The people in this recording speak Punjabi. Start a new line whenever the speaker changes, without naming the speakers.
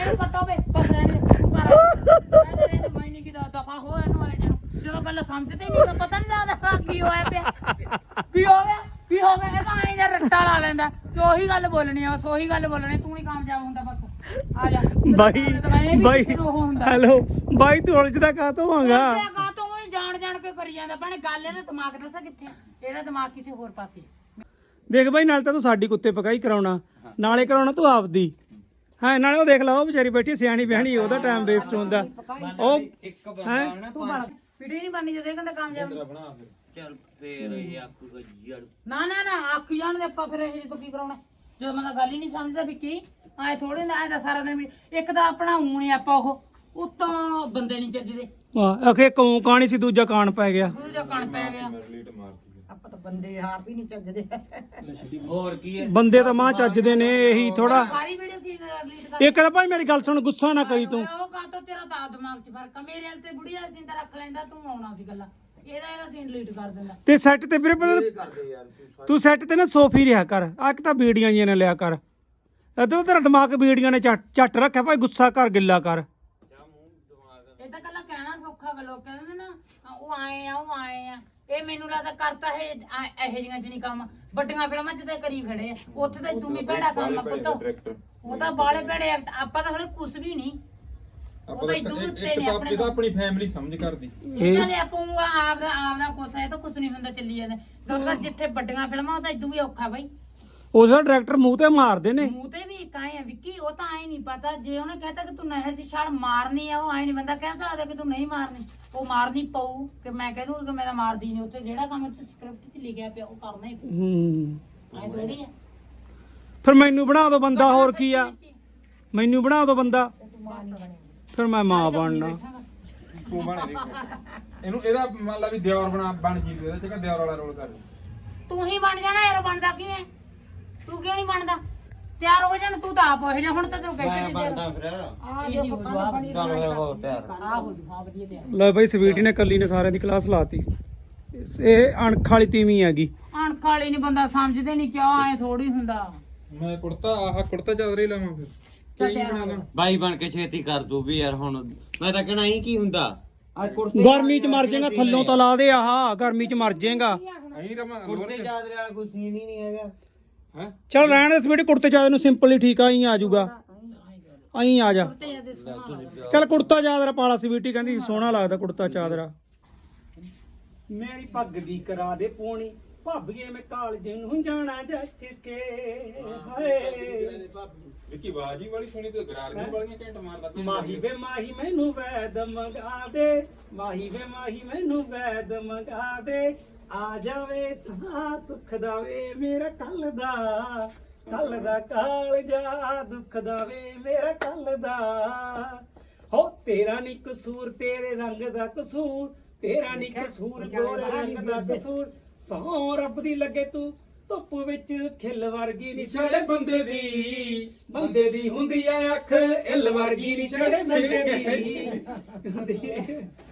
ਕੱਟੋ ਵੇ ਬਸ ਰਹਿਣ ਦੇ ਤੂੰ ਕਰ ਮੈਂ ਨਹੀਂ ਕਿਦਾ ਦਫਾ ਹੋ ਇਹਨੂੰ ਆਏ ਜਨ ਜਦੋਂ ਗੱਲ ਸਮਝਦੇ ਨਹੀਂ ਤਾਂ ਪਤਾ ਨਹੀਂ ਲੱਗਦਾ ਕੀ ਹੋਇਆ ਪਿਆ ਕੀ ਹੋ ਗਿਆ ਇਹ ਤਾਂ ਐਂ ਜਾਂ ਰੱਟਾ ਲਾ ਲੈਂਦਾ ਤੇ ਉਹੀ ਗੱਲ ਬੋਲਣੀ ਆ ਬਸ ਉਹੀ ਗੱਲ ਬੋਲਣੀ ਤੂੰ ਨਹੀਂ ਕਾਮਯਾਬ ਹੁੰਦਾ ਬਸ ਆ ਜਾ
ਬਾਈ ਹੈਲੋ ਬਾਈ ਤੂੰ ਉਲਝਦਾ ਕਾਹਤੋਂ ਆਂਗਾ
ਕਾਹਤੋਂ ਜਾਣ ਕੇ ਕਰੀ ਜਾਂਦਾ ਭੈਣੇ ਗੱਲ ਇਹਦਾ ਦਿਮਾਗ ਦੱਸਾਂ ਕਿੱਥੇ ਇਹਦਾ ਦਿਮਾਗ ਕਿਸੇ ਹੋਰ ਪਾਸੇ
ਦੇਖ ਬਾਈ ਨਾਲ ਤਾਂ ਤੂੰ ਸਾਡੀ ਕੁੱਤੇ ਪਕਾਈ ਕਰਾਉਣਾ ਨਾਲੇ ਕਰਾਉਣਾ ਤੂੰ ਆਪਦੀ ਹਾਂ ਨਾਲੇ ਉਹ ਦੇਖ ਲਾ ਉਹ ਵਿਚਾਰੀ ਬੈਠੀ ਸਿਆਣੀ ਬਿਆਣੀ ਉਹਦਾ ਟਾਈਮ ਵੇਸਟ ਹੁੰਦਾ ਉਹ ਹੈ
ਤੂੰ ਬਣ ਵੀਡੀਓ ਨਹੀਂ ਬਣਨੀ ਜਦੋਂ ਇਹ ਕਹਿੰਦਾ ਕਾਮਯਾਬ
ਚੱਲ ਫੇਰ ਇਹ ਆਖੂਗਾ ਜੜ
ਨਾ ਆਖ ਜਾਣ ਦੇ ਆਪਾਂ ਫਿਰ ਇਹ ਤੋਂ ਕੀ ਕਰਾਉਣਾ ਜਦੋਂ ਮੈਂ ਤਾਂ ਗੱਲ ਹੀ ਨਹੀਂ ਸਮਝਦਾ ਵੀ ਕੀ ਐ ਥੋੜੇ ਨਾ ਐ ਤਾਂ ਸਾਰਾ ਦਿਨ ਇੱਕ ਤਾਂ ਆਪਣਾ ਊਂ ਨਹੀਂ ਆਪਾਂ ਉਹ ਉੱਤੋਂ ਬੰਦੇ ਨਹੀਂ ਚੱਜਦੇ
ਅਖੇ ਕੌਂ ਕਾਣੀ ਸੀ ਦੂਜਾ ਕਾਣ ਪੈ ਗਿਆ
ਦੂਜਾ ਕਣ ਪੈ ਗਿਆ
ਆਪਾਂ ਤਾਂ ਬੰਦੇ ਆਪ ਹੀ ਨਹੀਂ ਚੱਜਦੇ
ਹੋਰ ਕੀ ਹੈ
ਬੰਦੇ ਤਾਂ ਮਾਂ ਚੱਜਦੇ ਨੇ ਇਹੀ ਥੋੜਾ
ਸਾਰੀ ਵੀਡੀਓ ਸੀ ਰਿਲੀਜ਼ ਕਰ
ਇੱਕ ਤਾਂ ਭਾਈ ਮੇਰੀ ਗੱਲ ਸੁਣ ਗੁੱਸਾ ਨਾ ਕਰੀ ਤੂੰ
ਉਹ ਕਾਤੋਂ ਤੇਰਾ ਤਾਂ ਦਿਮਾਗ 'ਚ ਫਰਕ ਆ ਮੇਰੇ ਵਾਲ ਤੇ ਬੁੜੀ ਵਾਲਾ ਸੀਨ ਤਾਂ ਰੱਖ ਲੈਂਦਾ ਤੂੰ ਆਉਣਾ ਸੀ ਗੱਲਾਂ ਇਹਦਾ ਸੀਨ ਡਿਲੀਟ ਕਰ ਦਿੰਦਾ
ਤੇ ਸੈੱਟ ਤੇ ਵੀਰੇ ਤੂੰ ਸੈੱਟ ਤੇ ਨਾ ਸੋਫੀ ਰਿਹਾ ਕਰ ਆ ਇੱਕ ਤਾਂ ਬੀੜੀਆਂ ਜੀਆਂ ਨੇ ਲਿਆ ਕਰ ਇਧਰ ਤੇਰਾ ਦਿਮਾਗ ਬੀੜੀਆਂ ਨੇ ਝੱਟ ਰੱਖਿਆ ਭਾਈ ਗੁੱਸਾ ਕਰ ਗਿੱਲਾ ਕਰ
ਇਹ ਤਾਂ ਕੱਲਾ ਕਹਿਣਾ ਸੌਖਾ ਗਾ ਲੋਕ ਕਹਿੰਦੇ ਨੇ ਨਾ ਉਹ ਆਏ ਆ ਇਹ ਮੈਨੂੰ ਲੱਗਦਾ ਕਰਤਾ ਇਹ ਇਹੋ ਜਿਹੀਆਂ ਚ ਨਹੀਂ ਕੰਮ ਵੱਡੀਆਂ ਫਿਲਮਾਂ ਚ ਤਾਂ ਕਰੀ ਖੜੇ ਆ ਉੱਥੇ ਤਾਂ ਤੂੰ ਵੀ ਭੈੜਾ ਕੰਮ ਆ ਪੁੱਤ ਉਹ ਤਾਂ ਬਾਲੇ ਭੈੜੇ ਆਪਾਂ ਤਾਂ ਹਲੇ ਕੁਛ ਵੀ ਨਹੀਂ ਉਹ ਤਾਂ ਇਦੋਂ ਉੱਤੇ ਨੇ ਆਪਣੇ
ਇਹਦਾ ਆਪਣੀ ਫੈਮਿਲੀ ਸਮਝ ਕਰਦੀ
ਇਹਨਾਂ ਨੇ ਆਪੂ ਆਪਦਾ ਕੁਛ ਹੈ ਤਾਂ ਕੁਛ ਨਹੀਂ ਹੁੰਦਾ ਚੱਲੀ ਜਾਂਦਾ ਕਿਉਂਕਿ ਜਿੱਥੇ ਵੱਡੀਆਂ ਫਿਲਮਾਂ ਉਹ ਤਾਂ ਇਦੋਂ ਵੀ ਔਖਾ ਬਾਈ
ਉਹਦਾ ਡਾਇਰੈਕਟਰ ਮੂੰਹ ਤੇ ਮਾਰਦੇ ਨੇ
ਮੂੰਹ ਤੇ ਵੀ ਇੱਕ ਆਏ ਆ ਵਿੱਕੀ ਉਹ ਤਾਂ ਆਏ ਨਹੀਂ ਪਤਾ ਜੇ ਉਹਨੇ ਕਹਿਤਾ ਕਿ ਤੂੰ ਨਹਿਰ 'ਚ ਛਾਲ ਮਾਰਨੀ ਆ ਉਹ ਆਏ ਨਹੀਂ ਬੰਦਾ ਕਹਿ ਸਕਦਾ ਕਿ ਤੂੰ ਨਹੀਂ ਮਾਰਨੀ ਉਹ ਮਾਰਨੀ ਪਊ ਕਿ ਮੈਂ ਕਹਿ ਦੂੰ ਕਿ ਮੈਂ ਤਾਂ ਮਾਰਦੀ ਨਹੀਂ ਉੱਥੇ ਜਿਹੜਾ ਕੰਮ ਸਕ੍ਰਿਪਟ 'ਚ ਲਿਖਿਆ ਪਿਆ ਉਹ ਕਰਨਾ ਹੀ ਪਊ ਐ ਥੋੜੀ ਆ
ਫਿਰ ਮੈਨੂੰ ਬਣਾ ਦੋ ਬੰਦਾ ਹੋਰ ਕੀ ਆ ਮੈਨੂੰ ਬਣਾ ਦੋ ਬੰਦਾ ਫਿਰ ਮੈਂ ਮਾਂ ਬਣਨਾ
ਤੂੰ ਬਣ ਦੇ ਇਹਨੂੰ ਇਹਦਾ ਮੰਨ ਲਾ ਵੀ ਦਿਓਰ ਬਣ ਜੀ ਇਹਦਾ ਜਗ੍ਹਾ ਦਿਓਰ ਵਾਲਾ ਰੋਲ ਕਰ
ਤੂੰ ਹੀ ਬਣ ਜਾਣਾ ਯਾਰ ਬਣਦਾ ਕੀ ਹੈ ਤੂੰ ਕਿਉਂ ਨਹੀਂ ਬਣਦਾ ਤਿਆਰ ਹੋ ਜਾਣ ਤੂੰ ਤਾਂ ਆਪ ਹੋ ਜਾ ਹੁਣ ਤਾਂ ਤੈਨੂੰ ਕਹਿ ਕੇ
ਬਣਦਾ ਫਿਰ
ਆ ਜੋ ਪਕਾਣਾ ਬਣੀ
ਚੱਲ ਫਿਰ ਹੋ ਤਿਆਰ
ਆ ਹੋ ਜੂ ਹਾਂ ਵਧੀਆ ਤਿਆਰ
ਲੈ ਬਾਈ ਸਵੀਟੀ ਨੇ ਕੱਲੀ ਨੇ ਸਾਰਿਆਂ ਦੀ ਕਲਾਸ ਲਾਤੀ ਇਹ ਅਣਖ ਵਾਲੀ ਤੀਵੀਂ ਹੈਗੀ
ਅਣਖ ਵਾਲੀ ਨਹੀਂ ਬੰਦਾ ਸਮਝਦੇ ਨਹੀਂ ਕਿਉਂ ਐ ਥੋੜੀ ਹੁੰਦਾ
ਮੈਂ ਕੁੜਤਾ ਚਾਦਰਾ ਹੀ ਲਾਵਾਂ ਫਿਰ ਕੀ ਬਣਾ ਲਾਂ
ਬਾਈ ਬਣ ਕੇ ਛੇਤੀ ਕਰ ਦੂ ਵੀ ਯਾਰ ਹੁਣ ਮੈਂ ਤਾਂ ਕਹਿਣਾ ਹੀ ਕੀ ਹੁੰਦਾ ਅੱਜ ਕੁੜਤੇ
ਗਰਮੀ 'ਚ ਮਰ ਜਾਏਗਾ ਥੱਲੋਂ ਤਾਂ ਲਾ ਦੇ ਆਹ ਗਰਮੀ 'ਚ ਮਰ ਜਾਏਗਾ
ਅਹੀਂ ਰਮਾ
ਕੁੜਤੇ ਚਾਦਰੇ ਵਾਲਾ ਕੋਈ ਸੀਨ ਹੀ ਨਹੀਂ ਹੈਗਾ
ਹੈ
ਚੱਲ ਰਹਿਣ ਦੇ ਸਵੀਟੀ ਕੁੜਤੇ ਚਾਦਰ ਨੂੰ ਸਿੰਪਲ ਹੀ ਠੀਕ ਆ ਹੀ ਆ ਜਾਊਗਾ ਅਹੀਂ ਆ ਜਾ ਚੱਲ ਕੁੜਤਾ ਚਾਦਰਾ ਪਾਲਾ ਸਵੀਟੀ ਕਹਿੰਦੀ ਸੋਹਣਾ ਲੱਗਦਾ ਕੁੜਤਾ ਚਾਦਰਾ ਮੇਰੀ ਪੱਗ ਦੀ ਕਰਾ ਦੇ ਪੋਣੀ ਭਾਬੀਏ ਮੈਂ ਕਾਲਜ ਨੂੰ ਜਾਣਾ ਜੱਜ ਕੇ ਹਾਏ
ਵਿੱਕੀ ਬਾਜੀ ਵਾਲੀ ਸੁਣੀ ਤੇ ਗਰਾਰੀਆਂ ਵਾਲੀਆਂ ਘੰਟ ਮਾਰਦਾ
ਮਾਹੀ ਵੇ ਮਾਹੀ ਮੈਨੂੰ ਵੈਦ ਮੰਗਾ ਦੇ ਮਾਹੀ ਵੇ ਮਾਹੀ ਮੈਨੂੰ ਵੈਦ ਮੰਗਾ ਦੇ ਆ ਜਾਵੇ ਸਾਹ ਸੁੱਖ ਦਾ ਵੇ ਮੇਰਾ ਕੱਲ ਦਾ ਕਾਲਜਾ ਦੁੱਖ ਦਾ ਵੇ ਮੇਰਾ ਕੱਲ ਦਾ ਹੋ ਤੇਰਾ ਨੀ ਕਸੂਰ ਤੇਰੇ ਰੰਗ ਦਾ ਕਸੂਰ ਤੇਰਾ ਨੀ ਕਸੂਰ ਗੋਰੇ ਰੰਗ ਦਾ ਕਸੂਰ ਸੌ ਰੱਬ ਦੀ ਲੱਗੇ ਤੂੰ ਧੁੱਪ ਵਿੱਚ ਖਿੱਲ ਵਰਗੀ ਨੀ ਛੜੇ ਬੰਦੇ ਦੀ ਹੁੰਦੀ ਐ ਅੱਖ ਇੱਲ ਵਰਗੀ ਨੀ ਛੜੇ ਬੰਦੇ ਦੀ